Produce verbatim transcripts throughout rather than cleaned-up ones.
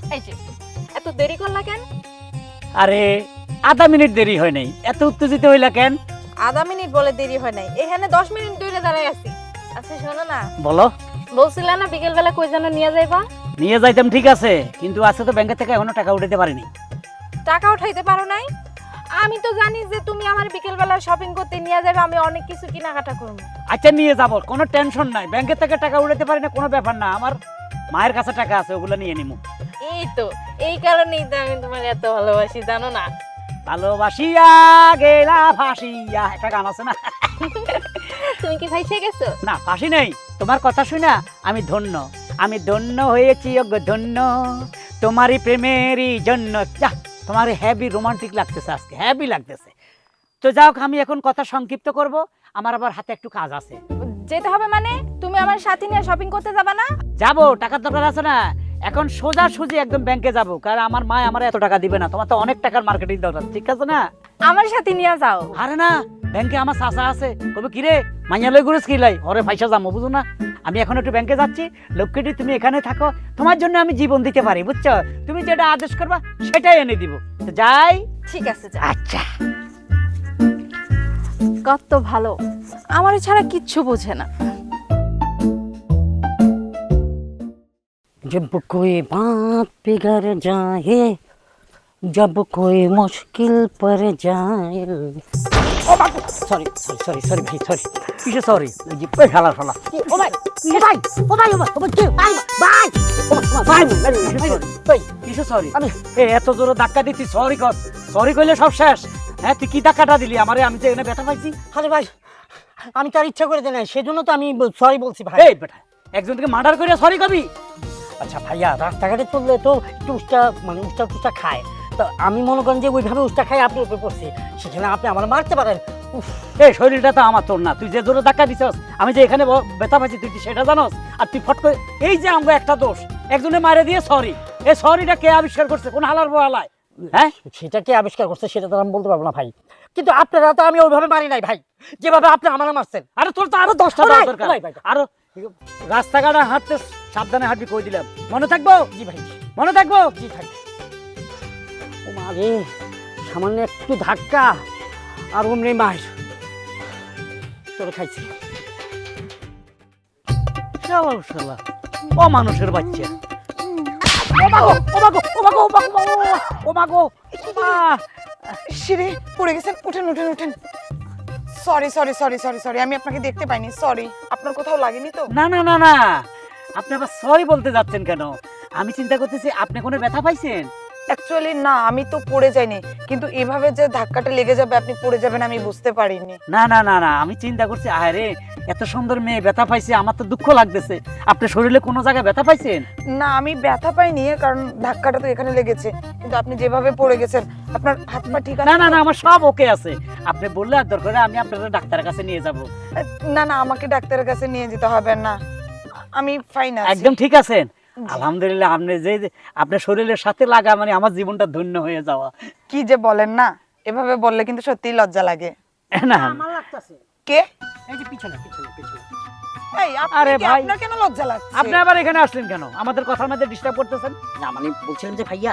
এই যে এত দেরি করলা কেন? আরে আধা মিনিট দেরি হয় নাই, এত উত্তেজিত হইলা কেন? আধা মিনিট বলে দেরি হয় নাই, এখানে দশ মিনিট ধরে দাঁড়াই আছি। আচ্ছা শোনো না, বলো। বলছিলা না বিকেল বেলা কই যেন নিয়ে যাইবা? নিয়ে যাইতাম ঠিক আছে, কিন্তু আজকে তো ব্যাংকে থেকে এখনো টাকা উঠাতে পারিনি। টাকা উঠাইতে পারো নাই? আমি তো জানি যে তুমি আমার বিকেল বেলা শপিং করতে নিয়ে যাবে, আমি অনেক কিছু কেনাকাটা করব। আচ্ছা নিয়ে যাবো, কোনো টেনশন নাই। ব্যাংকে থেকে টাকা উঠাতে পারি না কোনো ব্যাপার না, আমার মায়ের কাছে টাকা আছে, ওগুলো নিয়ে নিমু। এই তো এই কারণেই তো আমি তোমার এত ভালোবাসি, জানো না? ভালোবাসিয়া গেলা ফাঁসিয়া, একটা গান আছে না? তুমি কি ফাইসে গেছো? না ফাঁসি নেই, তোমার কথা শুনা আমি ধন্য, আমি ধন্য হয়েছি অগ ধন্য তোমারই প্রেমেরই জন্য। যা, তোমার হ্যাভি রোমান্টিক লাগতেছে আজকে, হ্যাভি লাগতেছে। তো যাও, আমি এখন কথা সংক্ষিপ্ত করব, আমার আবার হাতে একটু কাজ আছে। যেতে হবে মানে? তুমি আমার সাথে নিয়ে শপিং করতে যাবা না? যাবো, টাকার দরকার আছে না? এখন সোজা সুজি একদম ব্যাংকে যাবো, কারণ আমার মা আমার এত টাকা দিবে না, তোমার তো অনেক টাকার মার্কেটিং দরকার, ঠিক আছে না? আমার সাথে নিয়ে যাও। আরে না, ব্যাংকে আমার চাচা আছে, কবে কিরে মাইয়া লই ঘুরেছ কি লাই, ওরে পয়সা যাবো, বুঝো না? আমি এখন একটু ব্যাংকে যাচ্ছি, লক্ষ্মীটি তুমি এখানে থাকো, তোমার জন্য আমি জীবন দিতে পারি, বুঝছো? তুমি যেটা আদেশ করবা সেটাই এনে দিব। তো যাই। ঠিক আছে যা। আচ্ছা। কত ভালো, আমার ছাড়া কিচ্ছু বোঝে না। जब कोई बात बिगड़ जाए, जब कोई मुश्किल पर जाए। ও বাবু, সরি সরি সরি সরি ভাই, সরি। কিসে সরি? ওই যে ওই শালা শালা। ও ভাই, ও ভাই, ও ভাই, ও ভাই, ও ভাই, কি? ভাই, ভাই, ও ভাই, ভাই, কিসে ভাই, সরি? ভাই, কিসে সরি? আমি এ এত জোরে ধাক্কা দিচ্ছি, সরি কর। সরি কইলে সব শেষ। হ্যাঁ, তুই কি ধাক্কাটা দিলি আমারে? আমি তো এখানে ব্যথা পাইছি। আরে ভাই, আমি তার ইচ্ছা করে দিই না, সেজন্য তো আমি সরি বলছি ভাই। এই বেটা, একজনকে মার্ডার করে সরি কবি? আচ্ছা ভাইয়া, রাস্তাঘাটে চললে তো একটু উষ্টা মানে উষ্টা টুষ্টা খায়, তো আমি মনে করেন যে ওইভাবে উষ্টা খাই আপনার উপরে পড়ছি, সেখানে আপনি আমার মারতে পারেন। উফ, এই শরীরটা তো আমার, তোর না। তুই যে জোরে ধাক্কা দিছস, আমি যে এখানে ব- ব্যথা পাইছি, তুই কি সেটা জানোস? আর তুই ফট করে, এই যে আমাকে একটা দোষ, একজনে মারে দিয়ে সরি। এই সরিটা কে আবিষ্কার করছে? কোন হালার বহালায়? হ্যাঁ, সেটা কে আবিষ্কার করছে সেটা তো আমি বলতে পারবো না ভাই, কিন্তু আপনারা তো আমি ওইভাবে মারি নাই ভাই, যেভাবে আপনি আমার মারছেন। আরে তোর তো আরো দশটা ভাই, দেওয়া দরকার। ভাই, ভাই। আরো রাস্তাঘাটে হাঁটতে সাবধানে হাঁটবি, কই দিলাম। মনে থাকবো? জি ভাই, মনে থাকবো? জি ভাই। ও মা রে, সামান্য একটু ধাক্কা আর অমনি মার তোরে খাইছি। শালা শালা, ও মানুষের বাচ্চা। ও মাগো, ও মাগো, ও মাগো, ও মাগো, ও মাগো, ও মা। সিঁড়ি পড়ে গেছেন, উঠেন উঠেন উঠেন। Sorry sorry sorry sorry sorry আমি আপনাকে দেখতে পাইনি, সরি। আপনার কোথাও লাগেনি তো? না না না না, আপনি আবার সরি বলতে যাচ্ছেন কেন? আমি চিন্তা করতেছি আপনি কোনো ব্যথা পাইছেন। অ্যাকচুয়ালি না, আমি তো পড়ে যাইনি, কিন্তু এভাবে যে ধাক্কাটা লেগে যাবে আপনি পড়ে যাবেন আমি বুঝতে পারিনি। না না না না, আমি চিন্তা করছি আরে এত সুন্দর মেয়ে ব্যথা পাইছে, আমার তো দুঃখ লাগতেছে। আপনি শরীরে কোনো জায়গায় ব্যথা পাইছেন? না আমি ব্যথা পাইনি, কারণ ধাক্কাটা তো এখানে লেগেছে, কিন্তু আপনি যেভাবে পড়ে গেছেন আপনার হাত পা ঠিক আছে? না না না, আমার সব ওকে আছে। আপনি বললে আর দরকার আমি আপনার ডাক্তারের কাছে নিয়ে যাব। না না, আমাকে ডাক্তারের কাছে নিয়ে যেতে হবে না, আমি ফাইন আছি। একদম ঠিক আছেন? আলহামদুলিল্লাহ, আপনি যে আপনার শরীরের সাথে লাগা মানে আমার জীবনটা ধন্য হয়ে যাওয়া। কি যে বলেন না, এভাবে বললে কিন্তু সত্যিই লজ্জা লাগে। না আমার লাগতেছে, কে? এই যে পিছনে পিছনে পিছনে। এই আপনি আরে কি, ভাই। আপনার কেন লজ্জা লাগছে? আপনি আবার এখানে আসলেন কেন? আমাদের কথার মধ্যে ডিস্টার্ব করতেছেন। না মানে বলছিলাম যে ভাইয়া,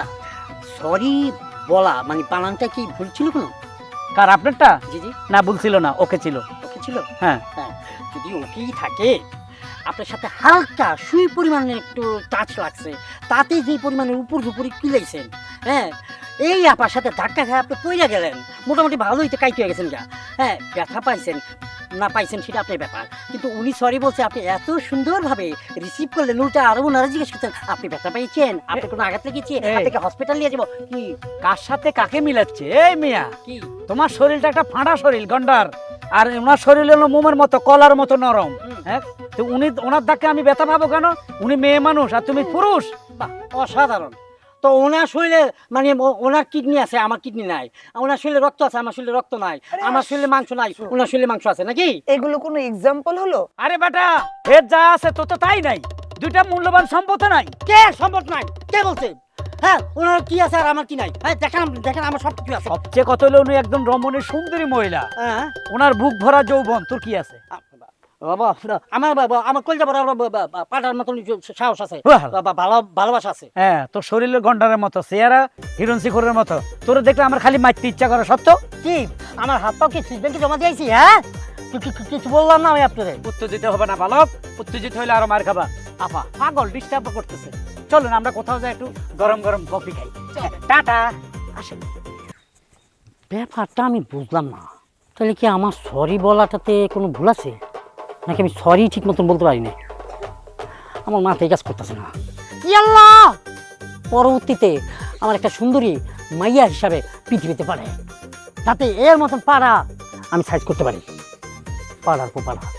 সরি বলা মানে বানানটা কি ভুল ছিল কোনো? কার, আপনারটা? জি জি, না বলছিল না, ওকে ছিল। ওকে ছিল। হ্যাঁ। হ্যাঁ, যদি ওকেই থাকে, আপনার সাথে হালকা সুই পরিমাণের একটু টাচ লাগছে, তাতে যে পরিমাণের উপর উপরে কিলাইছেন, হ্যাঁ, এই আপার সাথে ধাক্কা খেয়ে আপনি পইরা গেলেন, মোটামুটি ভালোই তো কাইতে হয়ে গেছেন গা। হ্যাঁ, ব্যথা পাইছেন না পাইছেন সেটা আপনার ব্যাপার, কিন্তু উনি সরি বলছে, আপনি এত সুন্দরভাবে রিসিভ করলেন, উল্টা আরো ওনারা জিজ্ঞেস করছেন আপনি ব্যথা পেয়েছেন, আপনি কোনো আঘাত লেগেছে, এই। আপনাকে হসপিটাল নিয়ে যাবো কি? কার সাথে কাকে মিলাচ্ছে? এই মিয়া, কি তোমার শরীরটা একটা ফাঁড়া শরীর, গন্ডার, আর ওনার শরীর হলো মোমের মতো, কলার মতো নরম। হুম। হ্যাঁ, তো উনি, ওনার ধাক্কা আমি ব্যথা পাবো কেন? উনি মেয়ে মানুষ আর তুমি পুরুষ। বাহ, অসাধারণ। তো ওনার শরীরে মানে ও- ওনার কিডনি আছে, আমার কিডনি নাই, ওনার শরীরে রক্ত আছে, আমার শরীরে রক্ত নাই, আমার শরীরে মাংস নাই, ওনার শরীরে মাংস আছে নাকি? এগুলো কোনো এক্সাম্পল হলো? আরে বেটা, এর যা আছে তো তো তাই নাই, দুইটা মূল্যবান সম্পদ নাই। কে সম্ভব নাই? কে বলছে? হ্যাঁ, ওনার কি আছে আর আমার কি নাই? হ্যাঁ, দেখেন আম- দেখেন আমার সব কিছু আছে। সবচেয়ে কত হলো উনি একজন রমণীর সুন্দরী মহিলা, হ্যাঁ, ওনার বুক ভরা যৌবন, তোর কি আছে? আ- বাবা আমার বাবা আমার কলজা বড় পাটার মতন সাহস আছে, বাহ। বাবা ভালো ভালোবাসা আছে। হ্যাঁ তোর শরীরের গন্ডারের মতো চেহারা হিরণ শিখরের মতো, তোর দেখলে আমার খালি মারতে ইচ্ছা করে সত্য। কি আমার হাত পাও কি সুইস ব্যাংকে জমা দিয়েছি? হ্যাঁ কি- কি- কি- কিছু বললাম না আমি আপনাদের। উত্তেজিত হবে না বালক, উত্তেজিত হইলে আরো মার খাবা। আপা পাগল ডিস্টার্ব করতেছে, চলুন আমরা কোথাও যাই একটু গরম গরম কফি খাই। টাটা। আসেন, ব্যাপারটা আমি বুঝলাম না, তাহলে কি আমার সরি বলাটাতে কোনো ভুল আছে, নাকি আমি সরি ঠিক মতন বলতে পারি না? আমার মাথায় কাজ করতেছে না। ইয়াল্লাহ, পরবর্তীতে আমার একটা সুন্দরী মাইয়া হিসাবে পৃথিবীতে পারে, যাতে এর মতন পাড়া আমি সাইজ করতে পারি। পাড়ার পর পাড়া